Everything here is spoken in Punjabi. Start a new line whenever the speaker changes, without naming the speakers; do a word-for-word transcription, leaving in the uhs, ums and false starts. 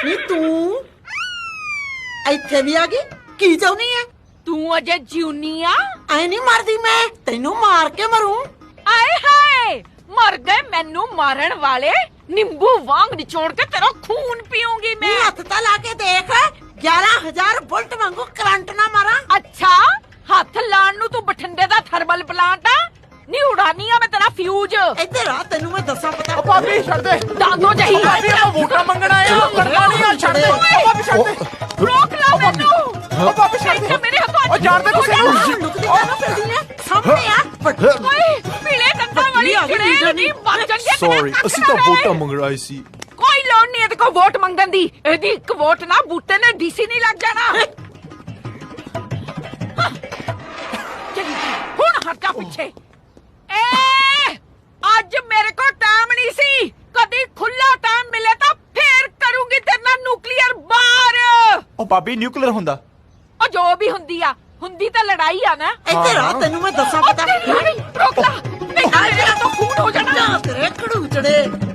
ਨੀ ਤੂੰ ਇੱਥੇ ਵੀ ਆ ਗਈ ਕੀ ਚਾਹੁੰਦੀ ਐ
ਤੂੰ ਅਜੇ ਜਿਉਨੀ ਆ
ਐ ਨਹੀਂ ਮਰਦੀ ਮੈਂ ਤੈਨੂੰ ਮਾਰ ਕੇ ਮਰੂੰ
ਆਏ ਹਾਏ ਮਰ ਗਏ ਮੈਨੂੰ ਮਾਰਨ ਵਾਲੇ ਨਿੰਬੂ ਵਾਂਗ ਨਿਚੋੜ ਕੇ ਤੇਰਾ ਖੂਨ ਪੀਉਂਗੀ
ਨੀ
ਮੈਂ
ਹੱਥ ਤਾਂ ਲਾ ਕੇ ਦੇਖ ਗਿਆਰਾਂ ਹਜ਼ਾਰ ਬੁਲਟ ਵਾਂਗੂ ਕਰੰਟ ਨਾ ਮਾਰਾਂ
ਅੱਛਾ ਹੱਥ ਲਾਣ ਨੂੰ ਤੂੰ ਬਠਿੰਡੇ ਦਾ ਥਰਮਲ ਪਲਾਂਟ ਆ ਨੀ ਉਡਾਨੀ ਆ ਮੈਂ ਤੇਰਾ ਫਿਊਜ਼
ਇੱਧਰ ਆ ਤੈਨੂੰ ਮੈਂ ਦੱਸਾਂ ਪਤਾ
ਭਾਬੀ ਛੱਡ ਦੇ
ਦਾਦੋ ਜਹੀ
ਭਾਬੀ ਆਪਾਂ ਵੋਟਾਂ ਮੰਗਣ ਆਏ ਆ ਕਰਨਾ ਨਹੀਂ ਆ ਛੱਡ ਦੇ ਭਾਬੀ ਛੱਡ ਦੇ
ਰੋਕ ਲਾ ਮੈਨੂੰ
ਓ ਭਾਬੀ ਛੱਡ ਦੇ
ਇੱਥੇ ਮੇਰੇ ਹੱਥੋਂ
ਓ ਜਾਣਦੇ ਕਿਸੇ ਨੂੰ
ਲੁਕਦੀ ਕਾਹਨੂੰ ਫਿਰਦੀ ਐ ਸਾਹਮਣੇ ਆ ਵੱਡੀ
ਓਏ ਪੀਲੇ ਦੰਦਾਂ ਵਾਲੀ ਕਿਹੜੇ ਨਹੀਂ ਬਚ ਜਾਂਗੇ
ਸੌਰੀ ਅਸੀਂ ਤਾਂ ਵੋਟਾਂ ਮੰਗਣ ਆਏ ਸੀ
ਕੋਈ ਲੋੜ ਨਹੀਂ ਇਹਦੇ ਕੋ ਵੋਟ ਮੰਗਣ ਦੀ ਇਹਦੀ ਇੱਕ ਵੋਟ ਨਾ ਬੂਟੇ ਨੇ ਡੀਸੀ ਨਹੀਂ ਲੱਗ ਜਾਣਾ ਚੱਲੀ ਹੁਣ ਹਟ ਜਾ ਪਿੱਛੇ ਏ ਅੱਜ ਮੇਰੇ ਕੋ ਟਾਈਮ ਨਹੀਂ ਸੀ ਕਦੀ ਖੁੱਲਾ ਟਾਈਮ ਮਿਲੇ ਤਾਂ ਫੇਰ ਕਰੂੰਗੀ ਤੇਰੇ ਨਾਲ ਨਿਊਕਲੀਅਰ ਬਾਰ
ਓ ਭਾਬੀ ਨਿਊਕਲੀਅਰ ਹੁੰਦਾ
ਉਹ ਜੋ ਵੀ ਹੁੰਦੀ ਆ ਹੁੰਦੀ ਤਾਂ ਲੜਾਈ ਆ ਨਾ
ਇੱਧਰ ਆ ਤੈਨੂੰ ਮੈਂ ਦੱਸਾਂ
ਉਹ
ਪਤਾ
ਤੇਰੀ ਲੜਾਈ ਰੋਕ ਲਾ ਨਹੀਂ ਮੇਰੇ ਨਾਲ ਤਾਂ ਖੂਨ ਹੋ ਜਾਣਾ
ਤੇਰੇ ਖੜੂਚੜੇ